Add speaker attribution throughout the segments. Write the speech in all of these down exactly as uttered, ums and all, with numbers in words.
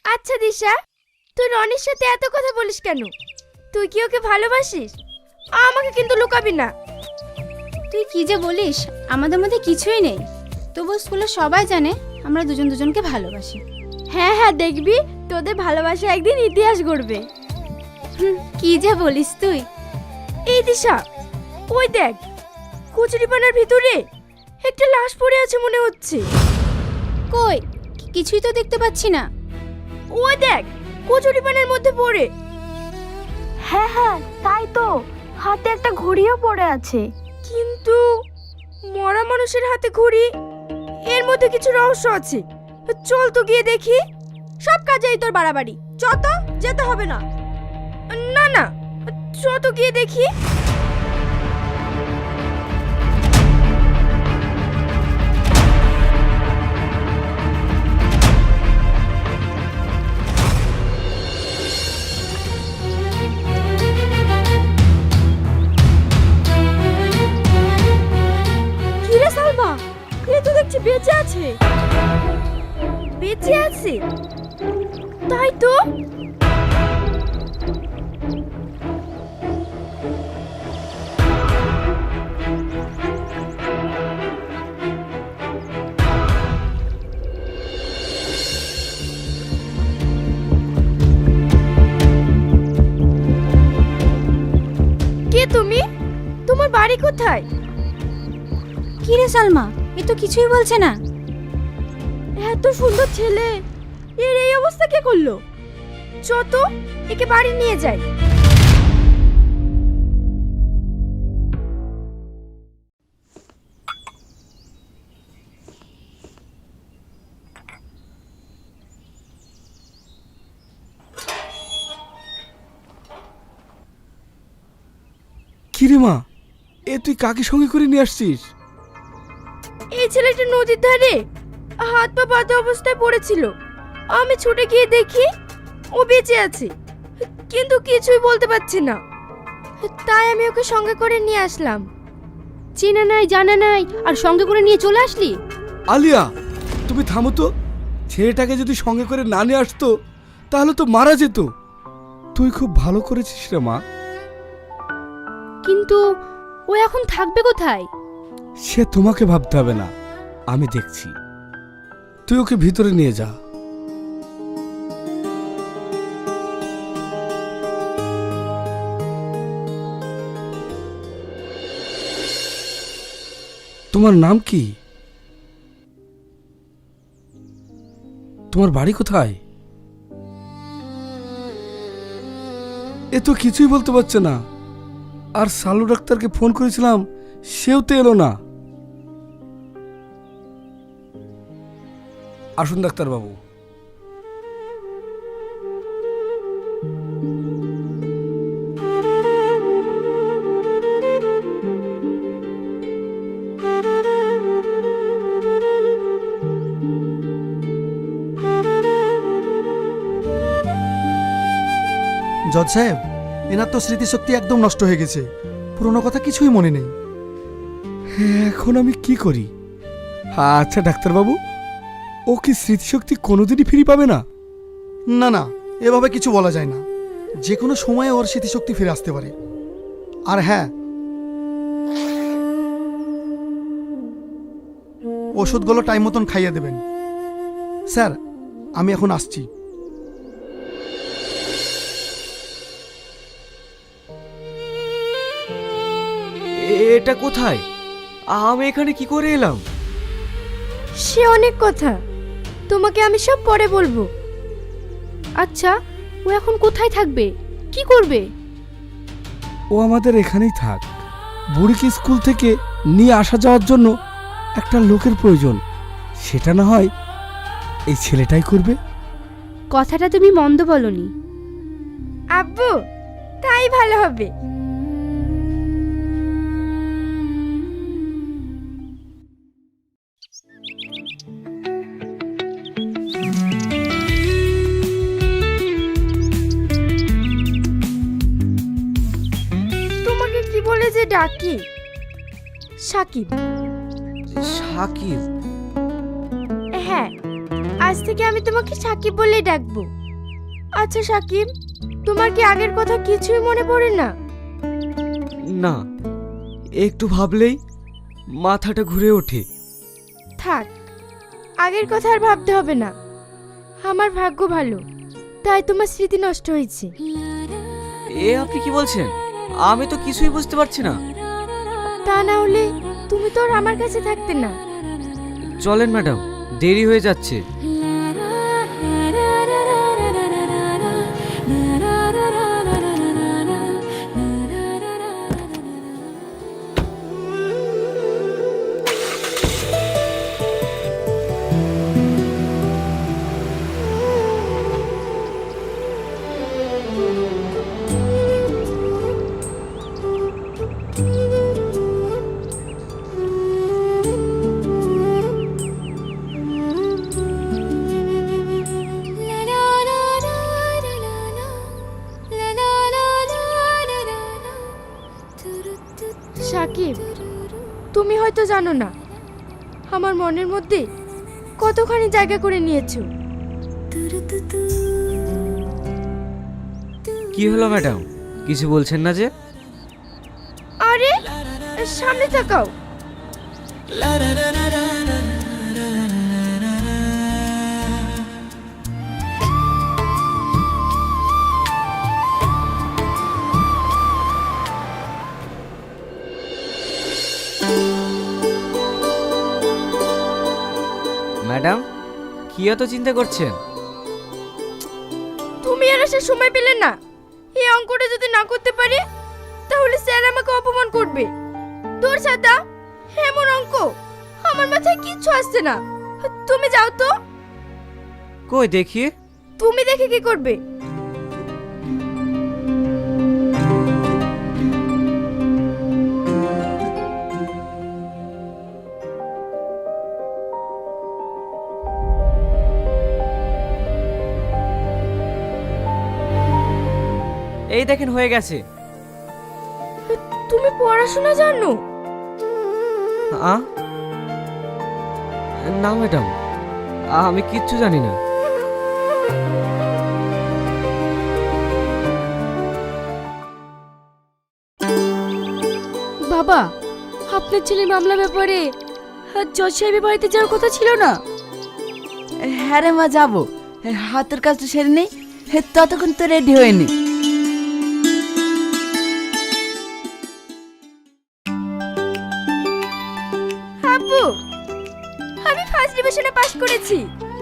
Speaker 1: আচ্ছা দিশা, তুই রনির সাথে এত কথা বলিস কেন? তুই কি ওকে ভালোবাসিস? আমাকে কিন্তু লুকাবি না।
Speaker 2: তুই কি যে বলিস, আমাদের মধ্যে কিছুই নেই। তবু স্কুলে সবাই জানে আমরা দুজন দুজনকে ভালোবাসি।
Speaker 1: হ্যাঁ হ্যাঁ, দেখবি তোদের ভালোবাসা একদিন ইতিহাস গড়বে।
Speaker 2: কি যে বলিস তুই।
Speaker 1: এই দিশা, ওই দেখ, কচুরিপানার ভিতরে একটা লাশ পড়ে আছে মনে হচ্ছে।
Speaker 2: কই, কিছুই তো দেখতে পাচ্ছি না।
Speaker 1: ওই দেখ, কচুরিপানার মধ্যে পড়ে। হ্যাঁ হ্যাঁ, তাই তো, হাতে একটা ঘড়িও পড়ে আছে। কিন্তু মরা মানুষের হাতে ঘড়ি, এর মধ্যে কিছু রহস্য আছে। চল তো গিয়ে দেখি। সব কাজেই তোর বাড়াবাড়ি, যত যেতে হবে না। না না, চল তো গিয়ে দেখি। কিরে সালমা, এ তো দেখছি বেঁচে আছে। বেঁচে আছে? তাই তো। কে তুমি? তোমার বাড়ি কোথায়?
Speaker 2: কি রে সালমা, এ তো কিছুই বলছে না।
Speaker 1: এত সুন্দর ছেলে, এর এই অবস্থা কে করলো? চত, একে বাড়ি নিয়ে যাই।
Speaker 3: কিরে মা, এ তুই কাকে সঙ্গে করে নিয়ে আসছিস?
Speaker 1: এই ছেলেটা নদীর ধারে হাত পা বাঁধা অবস্থায় পড়েছিল। আমি ছুটে গিয়ে দেখি ও বেঁচে আছে, কিন্তু কিছুই বলতে পারছি না। তাই আমি ওকে সঙ্গে করে নিয়ে আসলাম।
Speaker 2: চেনা নাই জানা নাই, আর সঙ্গে করে নিয়ে চলে আসলি?
Speaker 3: আলিয়া, তুমি থামো তো। ছেলেটাকে যদি সঙ্গে করে না নিয়ে আসতো তাহলে তো মারা যেত। তুই খুব ভালো করেছিস রে মা।
Speaker 2: কিন্তু ও এখন থাকবে কোথায়?
Speaker 3: সে তোমাকে ভাবতে হবে না, আমি দেখছি। তুই ওকে ভিতরে নিয়ে যা। তোমার নাম কি? তোমার বাড়ি কোথায়? এ তো কিছুই বলতে পারছে না। আর সালু ডাক্তারকে ফোন করেছিলাম, সেও তো এলো না। আসুন ডাক্তার বাবু।
Speaker 4: জজ সাহেব, এনার তো স্মৃতিশক্তি একদম নষ্ট হয়ে গেছে। পুরনো কথা কিছুই মনে নেই।
Speaker 3: এখন আমি কি করি? আচ্ছা ডাক্তার বাবু, ও কি স্মৃতিশক্তি কোনোদিনই ফিরে পাবে না?
Speaker 4: না না, এভাবে কিছু বলা যায় না। যে কোনো সময়ে ওর স্মৃতিশক্তি ফিরে আসতে পারে। আর হ্যাঁ, ওষুধগুলো টাইম মতন খাইয়ে দেবেন। স্যার, আমি এখন আসছি।
Speaker 5: এটা কোথায়? আমি এখানে কি করে এলাম?
Speaker 1: সে অনেক কথা, তোমাকে আমি সব পরে বলবো।
Speaker 2: আচ্ছা, ও এখন কোথায় থাকবে, কি করবে?
Speaker 3: ও আমাদের এখানেই থাক। বুড়িকে স্কুল থেকে নিয়ে আসা যাওয়ার জন্য একটা লোকের প্রয়োজন। সেটা না হয় এই ছেলেটাই করবে।
Speaker 2: কথাটা তুমি মন্দ বলনি।
Speaker 1: আব্বু, তাই ভালো হবে। তোমাকে কি বলে যে ডাকি? সাকিব।
Speaker 5: সাকিব?
Speaker 1: হ্যাঁ, আজ আজ থেকে আমি তোমাকে সাকিব বলেই ডাকবো। আচ্ছা সাকিব, তোমার কি আগের কথা কিছুই মনে পড়ে না?
Speaker 5: না, একটু ভাবলেই মাথাটা ঘুরে ওঠে।
Speaker 1: থাক, আগের কথা আর ভাবতে হবে না। আমার ভাগ্য ভালো, তাই তোমার স্মৃতি নষ্ট হয়েছে।
Speaker 5: এ আপনি কি বলছেন? আমি তো কিছুই বুঝতে পারছি না।
Speaker 1: তা না হলে তুমি তো আর আমার কাছে থাকতে না।
Speaker 5: চলেন ম্যাডাম, দেরি হয়ে যাচ্ছে।
Speaker 1: সাকিব, তুমি হয়তো জানো না আমার মনের মধ্যে কতখানি জায়গা করে নিয়েছো।
Speaker 5: কি হলো ম্যাডাম, কিছু বলছেন না যে?
Speaker 1: আরে সামনে তাকাও।
Speaker 5: ম্যাডাম, কি এত চিন্তা করছেন?
Speaker 1: তুমি আর আসার সময় পেলে না। এই অঙ্কটা যদি না করতে পারি তাহলে স্যার আমাকে অপমান করবে। তোর সাদা এমন অঙ্ক আমার মাথায় কিচ্ছু আসছে না। তুমি যাও তো।
Speaker 5: কই দেখি।
Speaker 1: তুমি দেখে কি করবে?
Speaker 5: এই দেখেন, হয়ে গেছে।
Speaker 1: তুমি পড়াশোনা জানো?
Speaker 5: আ? না ম্যাডাম, আমি কিচ্ছু জানি না।
Speaker 1: বাবা, আপনার ছেলে মামলা ব্যাপারে জজ সাহেবের বাড়িতে যাওয়ার কথা ছিল না?
Speaker 6: হ্যাঁ রে মা, যাবো। হাতের কাজটা সেরে নেই, ততক্ষণ তো রেডি হয়নি।
Speaker 1: আব্বু, আমি ফার্স্ট ডিভিশনে পাস করেছি।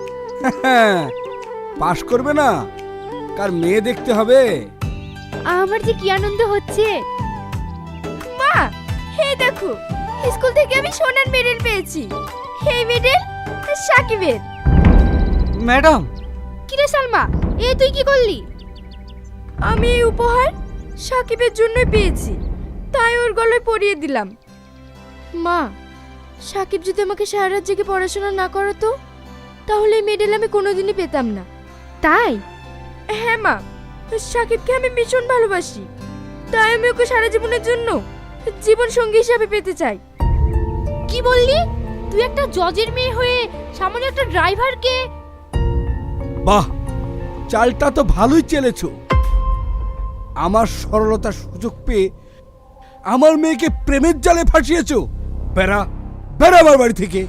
Speaker 3: পাশ করবে না, কার মেয়ে দেখতে হবে।
Speaker 1: আমার যে কি আনন্দ হচ্ছে। মা, হে দেখো, স্কুল থেকে আমি সোনার মেডেল পেয়েছি। এই মেডেল সাকিবের।
Speaker 5: ম্যাডাম,
Speaker 1: কিরে সালমা, এ তুই কি করলি? আমি এই উপহার সাকিবের জন্যই পেয়েছি, তাই ওর গলায় পরিয়ে দিলাম। মা, সাকিব যদি আমাকে সারা রাত জেগে পড়াশোনা না করাতো তাহলে এই মেডেল আমি কোনোদিনই পেতাম না। তাই? হ্যাঁ মা, সাকিবকে আমি ভীষণ ভালোবাসি, তাই আমি ওকে সারা জীবনের জন্য জীবন সঙ্গী হিসাবে পেতে চাই। কি বললি? তুই একটা জজের মেয়ে হয়ে সামনে একটা ড্রাইভারকে?
Speaker 3: বাহ, চালটা তো ভালোই চেলেছো। আমার সরলতার সুযোগ পেয়ে আমার মেয়েকে প্রেমের জালে ফাঁসিয়েছো। বেড়া বেড়া আমার বাড়ি থেকে।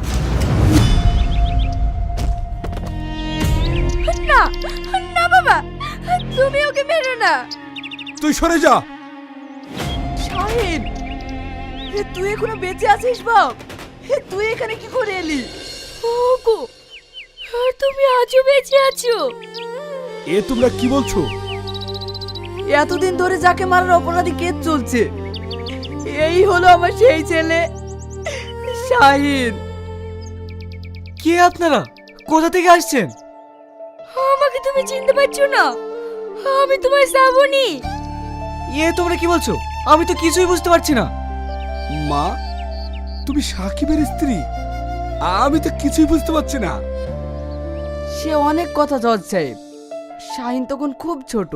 Speaker 1: না না বাবা, তুমি ওকে মেরো না।
Speaker 3: তুই সরে যা।
Speaker 6: শাহিন, তুই এখনো বেঁচে আছিস বাপ? তুই এখানে কি করে এলি?
Speaker 1: ওগো, তুমি আজও বেঁচে আছো?
Speaker 3: এ তোমরা কি বলছো?
Speaker 6: এতদিন ধরে যাকে মারার অপরাধী কেস চলছে, এই হলো আমার সেই ছেলে শাহিন।
Speaker 5: কে আপনারা? কোথা থেকে আসছেন?
Speaker 1: আমাকে তুমি চিনতে পারছো না? আমি তোমার শ্রাবণী।
Speaker 5: এ তোমরা কি বলছো? আমি তো কিছুই বুঝতে পারছি না।
Speaker 3: মা, তুমি সাকিবের স্ত্রী? আমি তো কিছুই বুঝতে পারছি না।
Speaker 6: সে অনেক কথা জজ সাহেব, শাহিন তখন খুব ছোট।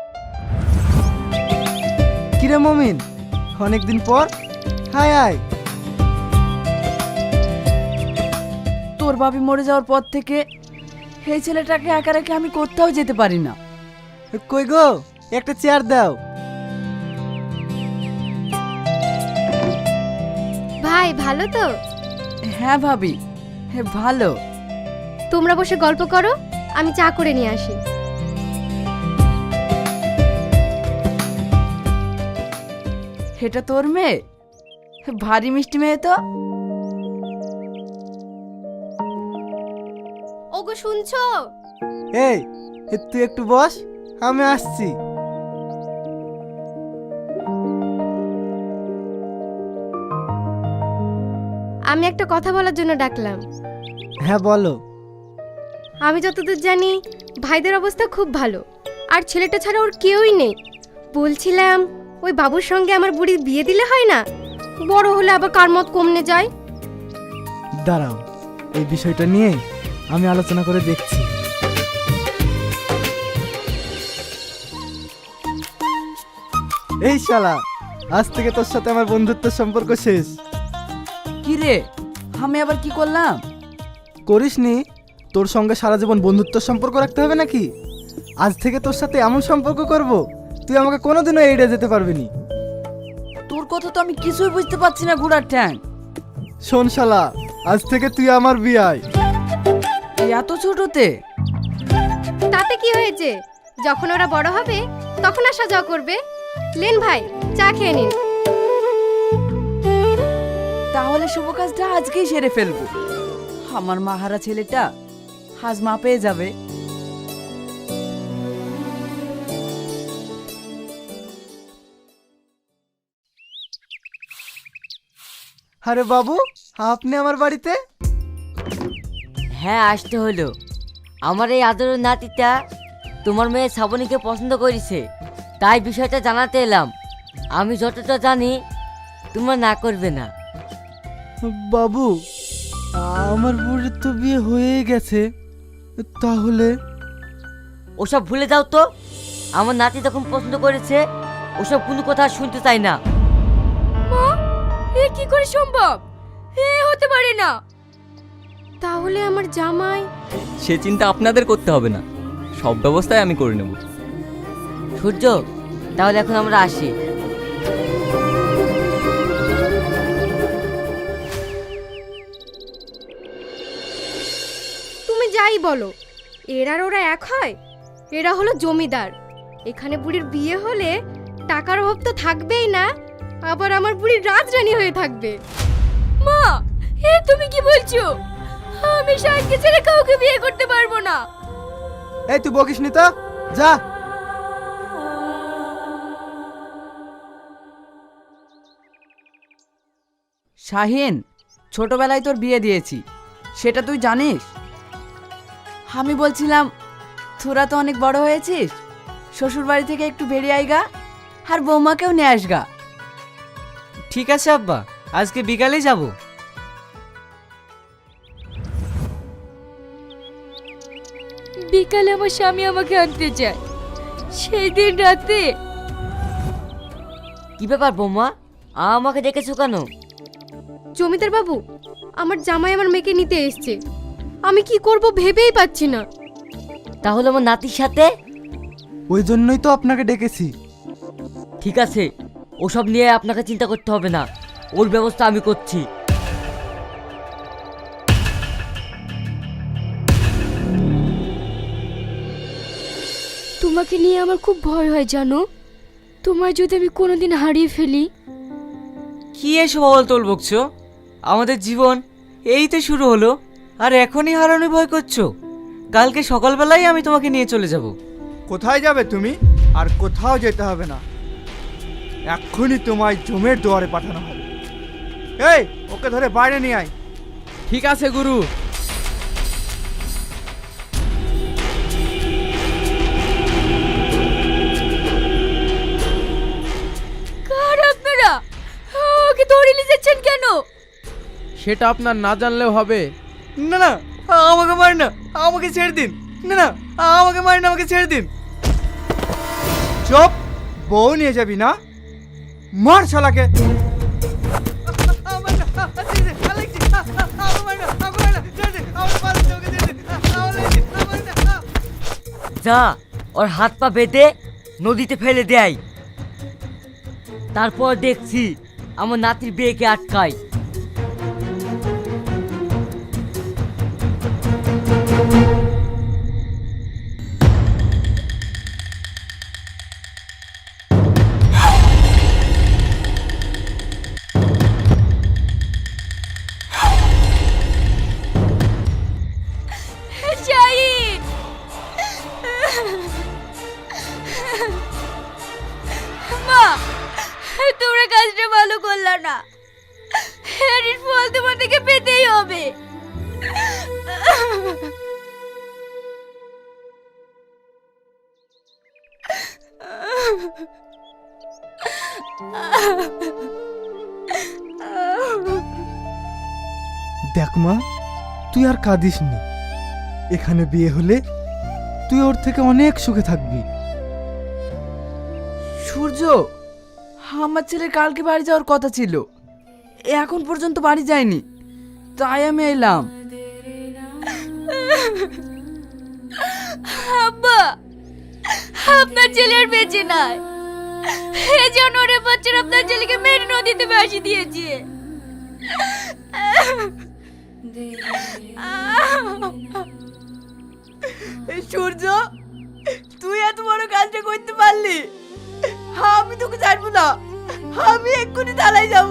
Speaker 6: কিরে মমিন, অনেকদিন পর। Hi hi. তোর বাপি মরে যাওয়ার পর থেকে এই ছেলেটাকে একা রেখে আমি কোথাও যেতে পারি না।
Speaker 7: কই গো, একটা চেয়ার দাও।
Speaker 1: ভাই ভালো তো?
Speaker 6: হ্যাঁ ভাবি, হ্যাঁ ভালো।
Speaker 1: তোমরা বসে গল্প করো, আমি চা করে নিয়ে আসি।
Speaker 6: এটা তোর মেয়ে? ভারী মিষ্টি মেয়ে তো।
Speaker 1: ওগো শুনছো?
Speaker 7: এই এ, তুই একটু বস, আমি আসছি।
Speaker 1: আমি একটা কথা বলার জন্য ডাকলাম।
Speaker 7: হ্যাঁ বলো।
Speaker 1: আমি যতদূর জানি ভাইদের অবস্থা খুব ভালো, আর ছেলেটা ছাড়া ওর কেউই নেই। বলছিলাম ওই বাবুর সঙ্গে আমার বুড়ির বিয়ে দিলে হয় না? বড় হলে আবার কার মত কমনে যায়।
Speaker 7: দাঁড়াও, এই বিষয়টা নিয়ে আমি আলোচনা করে দেখছি। এই শালা, আজ থেকে তোর সাথে আমার বন্ধুত্বের সম্পর্ক শেষ।
Speaker 6: কি রে, আমি আবার কি করলাম?
Speaker 7: করিসনি? তোর সঙ্গে সারা জীবন বন্ধুত্বের সম্পর্ক রাখতে হবে নাকি? আজ থেকে তোর সাথে এমন সম্পর্ক করব, তুই আমাকে কোনোদিনও এড়িয়ে যেতে পারবি না।
Speaker 6: তোর কথা তো আমি কিছুই বুঝতে পারছি না ঘোড়ার ঠ্যাং।
Speaker 7: শোন শালা, আজ থেকে তুই আমার বিয়াই।
Speaker 6: এই এত ছোটতে?
Speaker 1: তাতে কি হয়েছে? যখন ওরা বড় হবে তখন আসা যাওয়া করবে। লেন ভাই, চা খেয়ে নিন।
Speaker 6: তাহলে শুভ কাজটা আজকেই সেরে ফেলবো। আমার মাহারা ছেলেটা আজ মা পেয়ে যাবে।
Speaker 7: আরে বাবু, আপনি আমার বাড়িতে?
Speaker 8: হ্যাঁ, আসতে হলো। আমার এই আদরের নাতিটা তোমার মেয়ে শ্রাবণীকে পছন্দ করেছে, তাই বিষয়টা জানাতে এলাম। আমি যতটা জানি তোমরা না করবে না।
Speaker 7: বাবু, আমার বুড়ির তো বিয়ে হয়ে গেছে, তাহলে?
Speaker 8: ওসব ভুলে যাও তো। আমার নাতি তখন পছন্দ করেছে, ওসব কোনো কথা শুনতে চাই না।
Speaker 1: মা, এ কি করে সম্ভব? এ হতে পারে না। তাহলে আমার জামাই?
Speaker 5: সে চিন্তা আপনাদের করতে হবে না, সব ব্যবস্থাই আমি করে নেব।
Speaker 8: সূর্য, তাহলে এখন আমরা আসি।
Speaker 1: তুমি যাই বলো, এরা আর ওরা এক হয়? এরা হলো জমিদার। এখানে বুড়ির বিয়ে হলে টাকার অভাব তো থাকবেই না, আবার আমার বুড়ি রাজরানী হয়ে থাকবে। মা, এ তুমি কি বলছো? আমি শাহিনকে ছেড়ে কাউকে বিয়ে করতে পারবো না।
Speaker 7: এই তুই বকিস নি তো, যা।
Speaker 6: শাহিন, ছোটবেলায় তোর বিয়ে দিয়েছি, সেটা তুই জানিস। আমি বলছিলাম তোরা তো অনেক বড় হয়েছিস, শ্বশুর বাড়ি থেকে একটু বেরিয়ে আইগা, আর বৌমাকেও নিয়ে আসগা।
Speaker 5: ঠিক আছে আব্বা, আজকে বিকালে যাব।
Speaker 1: বিকালে আমার স্বামী আমাকে আনতে চায়, সেই দিন রাতে।
Speaker 8: কি ব্যাপার বৌমা, আমাকে ডেকেছো কেন?
Speaker 1: জমিদার বাবু, আমার জামাই আমার মেয়েকে নিতে এসেছে। আমি কি করব ভেবেই পাচ্ছি না।
Speaker 8: তাহলে আমার নাতির সাথে?
Speaker 7: ওই জন্যই তো আপনাকে ডেকেছি।
Speaker 8: ঠিক আছে, ওসব নিয়ে আপনাকে চিন্তা করতে হবে না, ওর ব্যবস্থা আমি করছি।
Speaker 1: তোমাকে নিয়ে আমার খুব ভয় হয় জানো। তোমায় যদি আমি কোনোদিন হারিয়ে ফেলি।
Speaker 5: কি এসব অবল তোল বকছো? আমাদের জীবন এই তো শুরু হলো, আর এখনই হারানোর ভয় করছো? কালকে সকালবেলায় আমি তোমাকে নিয়ে চলে যাব।
Speaker 3: কোথায় যাবে তুমি? আর কোথাও যেতে হবে না, এক্ষুনি তোমায় জমের দুয়ারে পাঠানো হবে। এই, ওকে ধরে বাইরে নিয়ে আয়।
Speaker 5: ঠিক আছে গুরু।
Speaker 1: কার আপনারা? ওকে ধরে নিয়ে যাচ্ছেন কেন?
Speaker 9: সেটা আপনার না জানলেও হবে।
Speaker 5: না না, আমাকে মার না, আমাকে ছেড়ে দিন। না না, আমাকে মার না, আমাকে ছেড়ে দিন।
Speaker 3: চুপ, বউ নিয়ে যাবি না? মার শালাকে।
Speaker 5: আমার না, ছেড়ে দিন, আলেক্সি, আমার মার না, আমাকে মার না, ছেড়ে দিন, আমার মার না, ওকে ছেড়ে দিন, আমার ছেড়ে দিন, আমার
Speaker 8: যা ওর হাত পা বেঁধে নদীতে ফেলে দেয়, তারপর দেখছি আমার নাতির বিয়েকে আটকায়।
Speaker 1: শাহিন, মা তোমরা কাজটা ভালো করলা না, এর ফল তোমাদেরকে পেতেই হবে।
Speaker 7: দেখ মা, তুই আর কাঁদিস নি। এখানে বিয়ে হলে তুই ওর থেকে অনেক সুখে থাকবি।
Speaker 6: সূর্য, আমার ছেলের কালকে বাড়ি যাওয়ার কথা ছিল, এখন পর্যন্ত বাড়ি যায়নি, তাই আমি এলাম।
Speaker 1: আব্বা, আপনার ছেলে আর বেঁচে নাই। এই জানোয়ারের বাচ্চারা আপনার ছেলেকে মেরে নদীতে ভাসিয়ে দিয়েছে।
Speaker 6: সূর্য, তুই এত বড় কাজটা করতে পারলি? আমি তোকে ছাড়বো না, আমি এক্ষুনি থানায় যাব।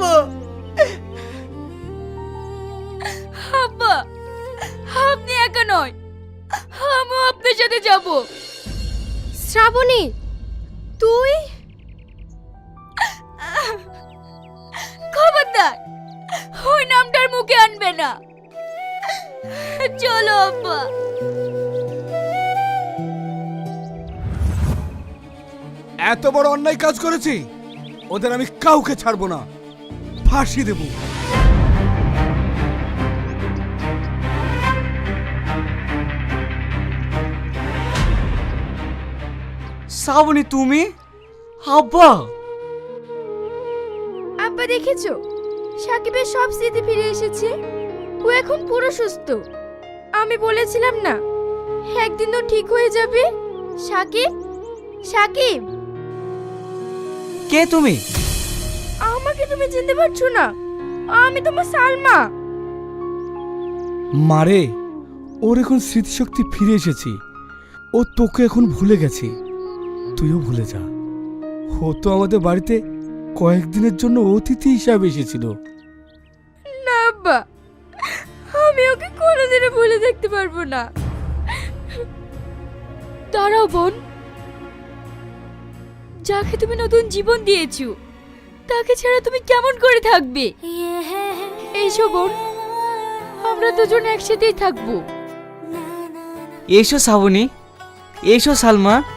Speaker 1: আব্বা, আপনি একা নয়, আমিও আপনার সাথে যাব। শ্রাবণী, তুই? খবরদার ওই নামটার মুখে আনবে না। চলো আব্বা।
Speaker 3: এত বড় অন্যায় কাজ করেছি, ওদের আমি কাউকে ছাড়বো না, ফাঁসি দেব।
Speaker 5: শ্রাবণী, তুমি? আব্বা!
Speaker 1: আব্বা দেখেছো, সাকিবের সব স্মৃতি ফিরে এসেছে, ও এখন পুরো সুস্থ। আমি বলেছিলাম না একদিন ও ঠিক হয়ে যাবে। সাকিব, সাকিব,
Speaker 5: কে তুমি?
Speaker 1: আমাকে তুমি চিনতে পারছো না? আমি তোমার সালমা।
Speaker 3: মারে, ওর এখন স্মৃতিশক্তি ফিরে এসেছে, ও তোকে এখন ভুলে গেছে, তুইও ভুলে যা। ও তো আমাদের বাড়িতে কয়েকদিনের জন্য অতিথি হিসাবে এসেছিল।
Speaker 1: না আব্বা, আমি ওকে কোনোদিনও ভুলে দেখতে পারবো না। দাঁড়াও বোন, যাকে তুমি নতুন জীবন দিয়েছো তাকে ছাড়া তুমি কেমন করে থাকবে? এইসো বোন, আমরা দুজন একসাথেই থাকবো।
Speaker 5: এসো শ্রাবণী, এসো সালমা।